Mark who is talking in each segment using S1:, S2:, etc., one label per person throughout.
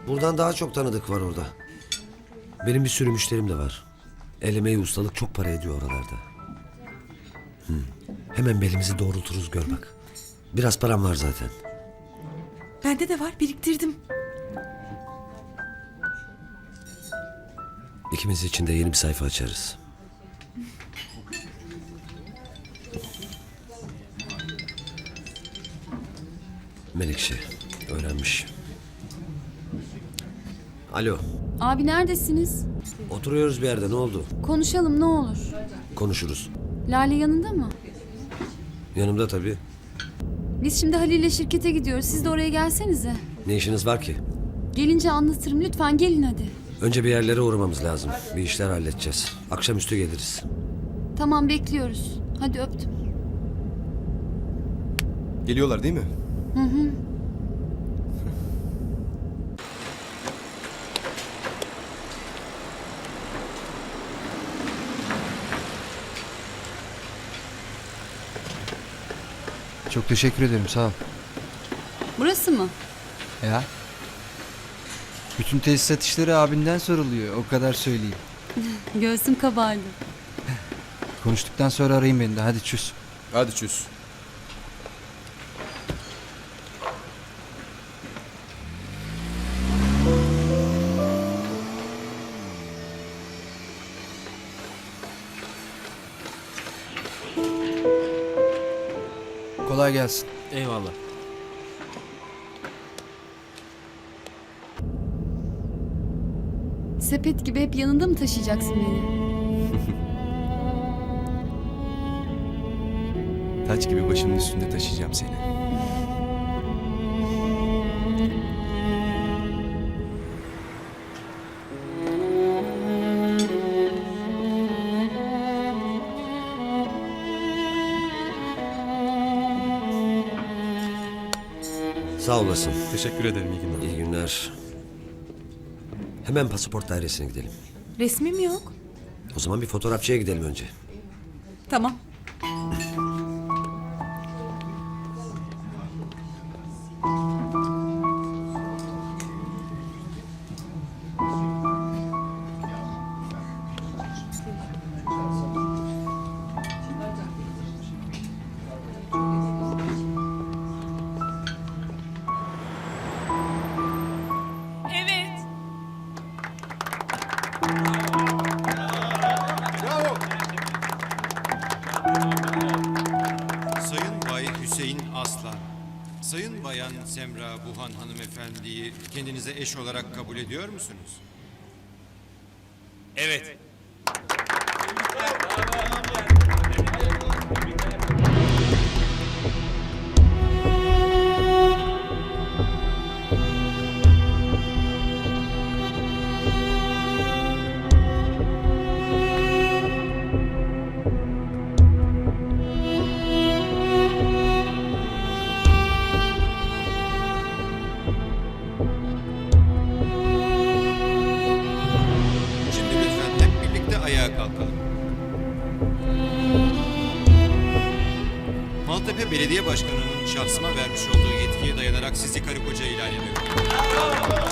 S1: Buradan daha çok tanıdık var orada. Benim bir sürü müşterim de var. El emeği ustalık çok para ediyor oralarda. Hemen belimizi doğrulturuz gör bak. Biraz param var zaten.
S2: Bende de var, biriktirdim.
S1: İkimiz için de yeni bir sayfa açarız. Menekşe öğrenmiş. Alo,
S3: Abi neredesiniz?
S1: oturuyoruz bir yerde, ne oldu?
S3: Konuşalım ne olur.
S1: Konuşuruz.
S3: Lale yanında mı?
S1: Yanımda tabii.
S3: Biz şimdi Halil'le şirkete gidiyoruz. Siz de oraya gelsenize.
S1: Ne işiniz var ki?
S3: Gelince anlatırım. Lütfen gelin hadi.
S1: Önce bir yerlere uğramamız lazım. Bir işler halledeceğiz. Akşamüstü geliriz.
S3: Tamam bekliyoruz. Hadi öptüm.
S4: Geliyorlar değil mi?
S5: Çok teşekkür ederim, sağ ol.
S3: Burası mı?
S5: Ya. Bütün tesisat işleri abinden soruluyor, o kadar söyleyeyim.
S3: Göğsüm kabardı.
S5: Konuştuktan sonra arayın beni de, hadi çüz.
S4: Hadi çöz.
S5: Kolay gelsin.
S6: Eyvallah.
S3: Sepet gibi hep yanında mı taşıyacaksın beni?
S4: Taç gibi başımın üstünde taşıyacağım seni.
S1: Sağ olasın.
S4: Teşekkür ederim, iyi günler.
S1: İyi günler. Hemen pasaport dairesine gidelim.
S2: Resmim yok.
S1: O zaman bir fotoğrafçıya gidelim önce.
S2: Tamam. Evet.
S7: Sayın Bay Hüseyin Aslan, Sayın Bayan Semra Buhan hanımefendiyi kendinize eş olarak kabul ediyor musunuz?
S6: Evet.
S7: Şimdi lütfen hep birlikte ayağa kalkalım. Maltepe Belediye Başkanı'nın şahsıma vermiş olduğu yetkiye dayanarak sizi karı koca ilan ediyorum.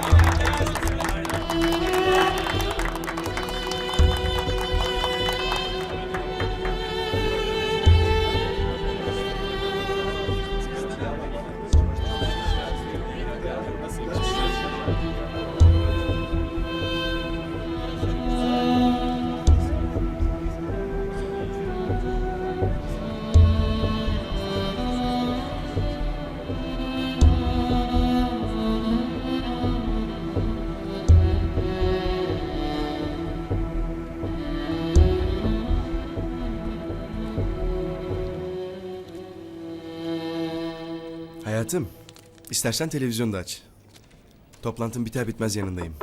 S4: Hayatım, istersen televizyonda aç. Toplantım biter bitmez yanındayım.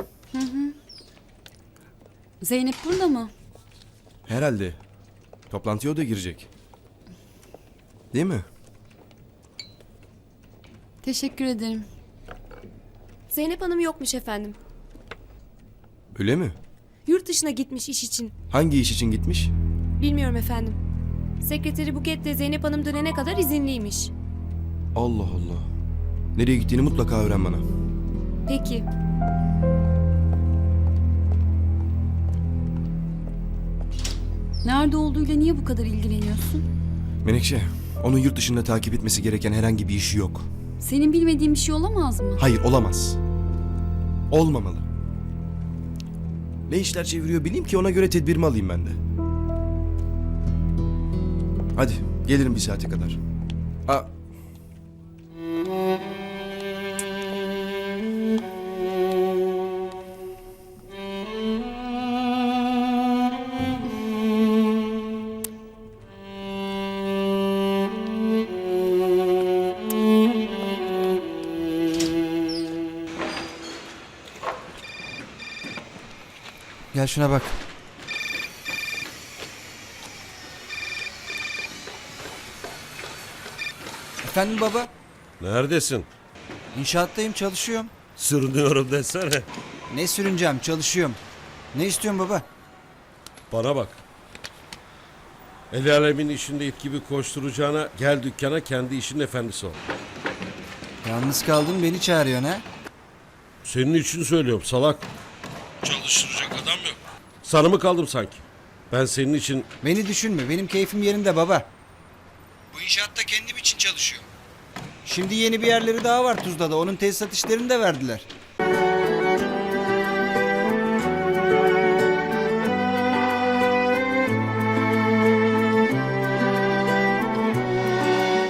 S3: Zeynep burada mı?
S4: Herhalde. Toplantıya o da girecek. Değil mi?
S3: Teşekkür ederim.
S8: Zeynep Hanım yokmuş efendim.
S4: Öyle mi?
S8: Yurt dışına gitmiş iş için.
S4: Hangi iş için gitmiş?
S8: Bilmiyorum efendim. Sekreteri Buket de Zeynep Hanım dönene kadar izinliymiş.
S4: Allah Allah. Nereye gittiğini mutlaka öğren bana.
S8: Peki.
S3: Nerede olduğuyla niye bu kadar ilgileniyorsun?
S4: Menekşe, onun yurt dışında takip etmesi gereken herhangi bir işi yok.
S3: Senin bilmediğin bir şey olamaz mı?
S4: Hayır, olamaz. Olmamalı. Ne işler çeviriyor bileyim ki ona göre tedbirimi alayım ben de. Hadi, gelirim bir saate kadar. Aa,
S5: Gel şuna bak. Efendim baba?
S6: Neredesin?
S5: İnşaattayım, çalışıyorum.
S6: Sürünüyorum desene.
S5: Ne sürüneceğim, çalışıyorum. Ne istiyorsun baba?
S6: Bana bak. El alemin işinde it gibi koşturacağına gel dükkana kendi işinin efendisi ol.
S5: Yalnız kaldım, beni çağırıyorsun ha?
S6: Senin için söylüyorum salak. Çalıştıracak adam yok. Sana mı kaldım sanki? Ben senin için...
S5: Beni düşünme, benim keyfim yerinde baba. Bu inşaatta kendim için çalışıyorum. Şimdi yeni bir yerleri daha var Tuzla'da, onun tesisat işlerini de verdiler.